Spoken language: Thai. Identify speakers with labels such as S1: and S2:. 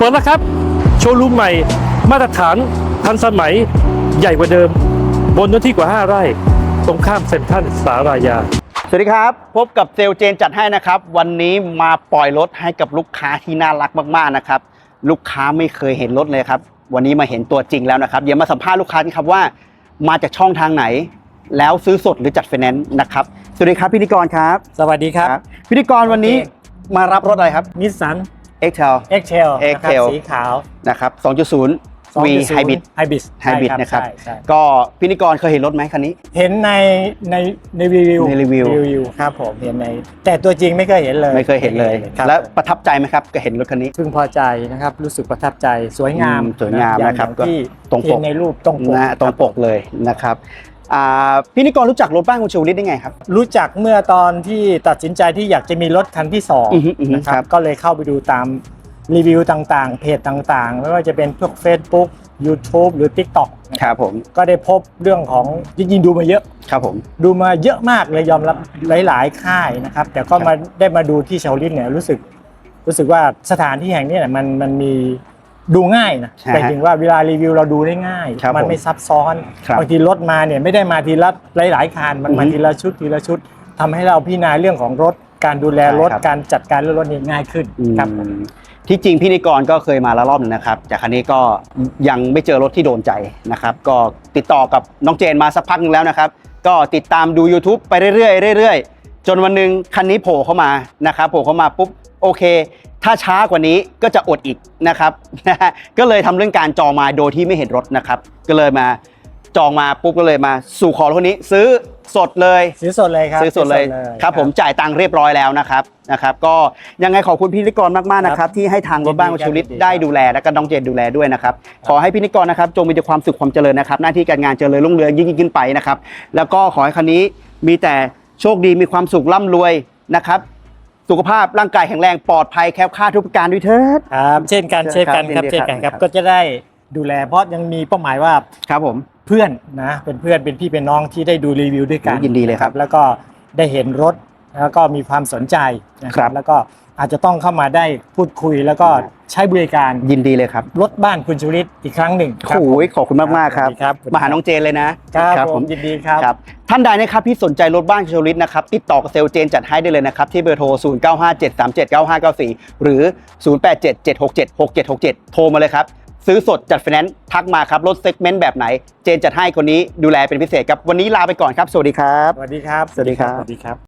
S1: ปิดแล้วครับโชว์รูมใหม่มาตรฐานทันสมัยใหญ่กว่าเดิมบนเนื้อที่กว่า5 ไร่ตรงข้ามเซ็นทรัลสารายา
S2: สวัสดีครับพบกับเซลเจนจัดให้นะครับวันนี้มาปล่อยรถให้กับลูกค้าที่น่ารักมากๆนะครับลูกค้าไม่เคยเห็นรถเลยครับวันนี้มาเห็นตัวจริงแล้วนะครับเดี๋ยวมาสัมภาษณ์ลูกค้ากันครับว่ามาจากช่องทางไหนแล้วซื้อสดหรือจัดไฟแนนซ์นะครับสวัสดีครับพิธีกรครับ
S3: สวัสดีครับ
S2: พิธีกรวันนี้มารับรถอะไรครับ
S3: Nissan
S2: X-Trail
S3: X-Trail นะครับสีขาว
S2: นะครับ 2.0 V Hybrid นะครับก็พิธีกรเคยเห็นรถไหมคันนี้
S3: เห็นในรีวิวครับผมเห็นในแต่ตัวจริงไม่เคยเห็นเลย
S2: แล้วประทับใจไหมครับก็เห็นรถคันนี้
S3: พึงพอใจนะครับรู้สึกประทับใจสวยงาม
S2: นะครับ
S3: ที่
S2: ตรงปก
S3: ในรูปตรง
S2: ปกเลยนะครับพิธีกรรู้จักรถบ้านคุณชวลิตได้ไงครับ
S3: รู้จักเมื่อตอนที่ตัดสินใจที่อยากจะมีรถคันที่2นะครับก็เลยเข้าไปดูตามรีวิวต่างๆเพจต่างๆไม่ว่าจะเป็นพวก Facebook YouTube หรือ TikTok
S2: ครับผม
S3: ก็ได้พบเรื่องของจริงๆดูมาเยอะ
S2: ครับผม
S3: ดูมาเยอะมากเลยยอมรับหลายๆค่ายนะครับแต่ก็มาได้มาดูที่ชวลิตเนี่ยรู้สึกว่าสถานที่แห่งนี้เนี่ยมันมีดูง่ายนะแต่จริงว่าเวลารีวิวเราดูได้ง่ายมันไม่ซับซ้อนบางทีรถมาเนี่ยไม่ได้มาทีละหลายๆคันมันมาทีละชุดทำให้เราพิจารณาเรื่องของรถการดูแลรถการจัดการรถนี่ง่ายขึ้นครับ
S2: ที่จริงพิธีกรก็เคยมาแล้วรอบนึงนะครับจากคันนี้ก็ยังไม่เจอรถที่โดนใจนะครับก็ติดต่อกับน้องเจนมาสักพักนึงแล้วนะครับก็ติดตามดู YouTube ไปเรื่อยจนวันนึงคันนี้โผล่เข้ามานะครับโผล่เข้ามาปุ๊บโอเคถ้าช้ากว่านี้ก็จะอดอีกนะครับก็เลยทำเรื่องการจองมาโดยที่ไม่เห็นรถนะครับก็เลยมาจองมาปุ๊บก็เลยมาสู่ขอรถนี้ซื้อสดเลย
S3: ครับ
S2: ซื้อสดเลยครับผมจ่ายตังค์เรียบร้อยแล้วนะครับก็ยังไงขอบคุณพิธีกรมากๆนะครับที่ให้ทางรถบ้านคุณชวลิตได้ดูแลและก็น้องเจนดูแลด้วยนะครับขอให้พิธีกรนะครับจงมีแต่ความสุขความเจริญนะครับหน้าที่การงานเจริญรุ่งเรืองยิ่งขึ้นไปนะครับแล้วก็ขอให้คันนี้มีแต่โชคดีมีความสุขร่ำรวยนะครับสุขภาพร่างกายแข็งแรงปลอดภัยแคล้วคลาดทุกประการด้วยเถิด
S3: ครับเช่นกันครับก็จะได้ดูแลเพราะยังมีเป้าหมายว่า
S2: ครับผม
S3: เพื่อนนะเป็นเพื่อนเป็นพี่เป็นน้องที่ได้ดูรีวิวด้วยกัน
S2: ยินดีเลยครับ
S3: แล้วก็ได้เห็นรถแล้วก็มีความสนใจนะครับแล้วก็อาจจะต้องเข้ามาได้พูดคุยแล้วก็ใช้บริการ
S2: ยินดีเลยครับ
S3: รถบ้านคุณชวลิตอีกครั้งหนึ่ง
S2: โอ้ยขอบคุณมากๆครับมาหาน้องเจนเลยนะครับ
S3: ผมยินดีครับ
S2: ท่านใดนะครับที่สนใจรถบ้านคุณชวลิตนะครับติดต่อกับเซลเจนจัดให้ได้เลยนะครับที่เบอร์โทร 0957379594 หรือ 0877676767 โทรมาเลยครับซื้อสดจัดไฟแนนซ์ทักมาครับรถเซกเมนต์แบบไหนเจนจัดให้คนนี้ดูแลเป็นพิเศษครับวันนี้ลาไปก่อนครับสวัสดีครับ
S3: สวัสดีครับ